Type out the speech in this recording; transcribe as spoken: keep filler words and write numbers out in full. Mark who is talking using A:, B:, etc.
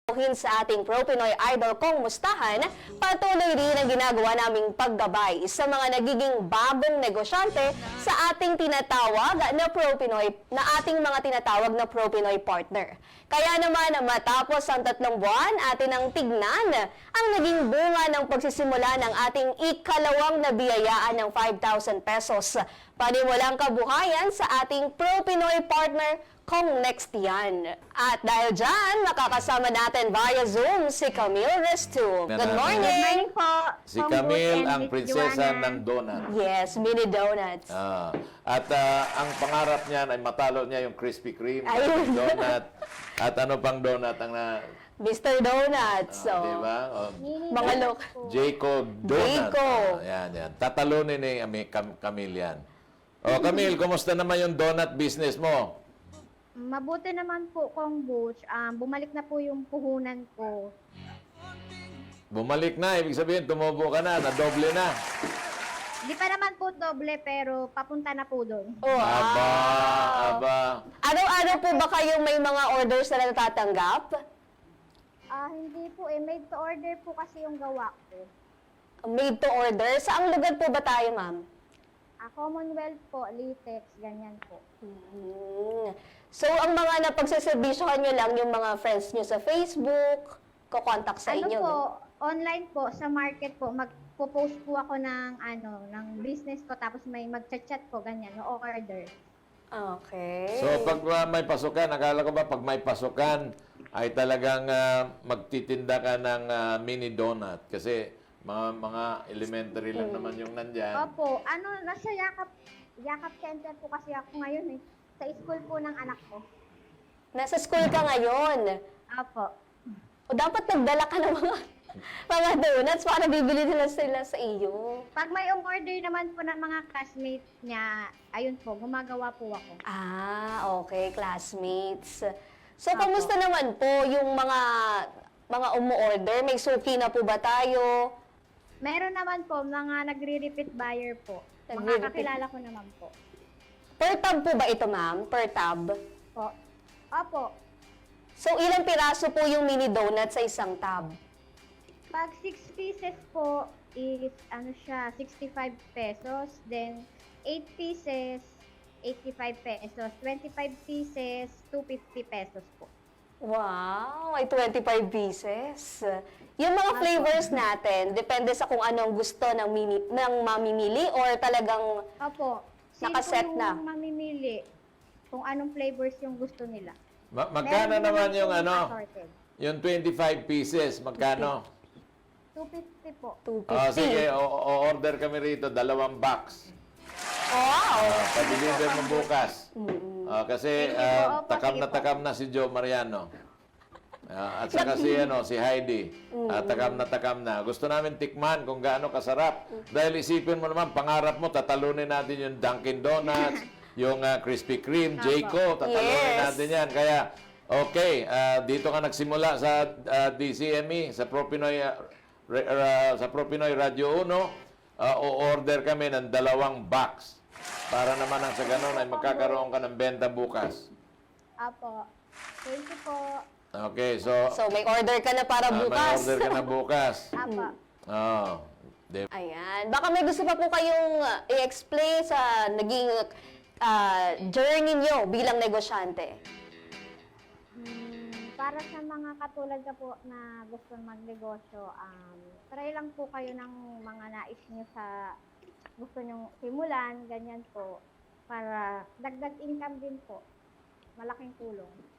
A: Sa ating Pro-Pinoy Idol Kong Mustahan, patuloy rin ang ginagawa naming paggabay sa mga nagiging bagong negosyante sa ating tinatawag na Pro-Pinoy, na ating mga tinatawag na Pro-Pinoy partner. Kaya naman matapos ang tatlong buwan, atin ang tignan ang naging bunga ng pagsisimula ng ating ikalawang nabiyayaan ng five thousand pesos. Panimulang kabuhayan sa ating Pro-Pinoy partner Kong Next yan. At dahil dyan, makakasama natin via Zoom si Camille Restu. Good morning!
B: Good morning po.
C: Si Camille ang prinsesa ng donut.
A: Yes, mini donuts.
C: Ah, at ah, ang pangarap niyan ay matalo niya yung Krispy Kreme,
A: Ayun.
C: donut. At ano pang donut ang na,
A: Mister Donuts. So,
C: ah, di ba? Oh,
A: mga look.
C: Jacob Donut.
A: Jayco.
C: Ah, yan, yan. Tatalunin ni Ami- Cam- Camille yan. Oh, Camille, kumusta naman yung donut business mo?
B: Mabuti naman po, Kong Butch. Um, bumalik na po yung puhunan ko.
C: Bumalik na, ibig sabihin, tumubo ka na, nadoble na.
B: Di pa naman po doble, pero papunta na po doon.
A: Wow!
C: Aba, aba.
A: Araw-araw po ba kayong may mga orders na natatanggap?
B: Ah, hindi po eh. Made to order po kasi yung gawa ko.
A: Made to order? Saang lugar po ba tayo, ma'am?
B: Ah, Commonwealth po, Litex, ganyan po.
A: Hmm. So, ang mga napagsaservisyohan nyo lang yung mga friends nyo sa Facebook, kukontak sa
B: Ano
A: inyo.
B: po,
A: no?
B: online po, sa market po, magpo-post po ako ng, ano, ng business ko, tapos may mag-chat po, ganyan, no order.
A: Okay.
C: So, pag uh, may pasukan, akala ko ba pag may pasukan, ay talagang uh, magtitinda ka ng uh, mini donut. Kasi mga mga elementary lang naman yung nandyan.
B: Opo, ano, nasa Yakap, Yakap Center po kasi ako ngayon eh. Sa school po ng anak ko.
A: Nasa school ka ngayon.
B: Opo.
A: O dapat nagdala ka ng mga, mga donuts para bibili nila sila sa iyo.
B: Pag may umorder naman po ng mga classmates niya, ayun po, gumagawa po ako.
A: Ah, okay, classmates. So,
B: Apo.
A: kamusta naman po yung mga mga umu-order? May suki na po ba tayo?
B: Meron naman po, mga nagre-repeat buyer po. Mga
A: Nagre-repeat.
B: kakilala ko naman po.
A: Per tab po ba ito, ma'am? Per tab?
B: Po. Opo.
A: So, ilang piraso po yung mini donut sa isang tab?
B: Pag six pieces po is, ano siya, sixty-five pesos. Then, eight pieces, eighty-five pesos. twenty-five pieces, two hundred fifty pesos po.
A: Wow, may twenty-five pieces. Yung mga flavors natin, depende sa kung anong gusto ng, mini, ng mamimili or talagang
B: Opo. Same
A: Nakaset
B: po yung
A: na.
B: mamimili kung anong flavors yung gusto nila.
C: Ma- magkano
B: Meron
C: naman
B: din
C: yung
B: po
C: ano?
B: assorted.
C: Yung twenty-five pieces, magkano?
B: two hundred fifty po.
A: two
C: Ah,
A: fifty.
C: sige, o- o- order kami rito, dalawang box.
A: Wow!
C: Ah, pa-deliver mo bukas. Ah, kasi
B: Sige po,
C: ah,
B: opo,
C: takam
B: sige
C: na
B: po.
C: takam na si Joe Mariano. Ah, at saka si, ano, si Heidi. Ah, takam na takam na. Gusto namin tikman kung gaano kasarap. Dahil isipin mo naman, pangarap mo, tatalunin natin yung Dunkin' Donuts, yung ah, Krispy Kreme, Jayco, tatalunin
A: Yes.
C: natin yan. Kaya, okay, ah, dito ka nagsimula sa ah, D C M E, sa ProPinoy, ah, re- ah, sa ProPinoy Radio uno, ah, o-order kami ng dalawang box. Para naman ang sa ganun ay magkakaroon ka ng benta bukas.
B: Apo. Thank you po.
C: Okay, so,
A: So, may order ka na para
C: ah, may
A: bukas.
C: order ka na bukas.
B: Apo.
C: Oh, di-
A: Ayan. Baka may gusto pa po kayong uh, i-explain sa naging uh, journey nyo bilang negosyante.
B: Hmm, para sa mga katulad ka po na gusto magnegosyo, um, try lang po kayo ng mga nais nyo sa gusto nyong simulan, ganyan po, para dagdag income din po. Malaking tulong.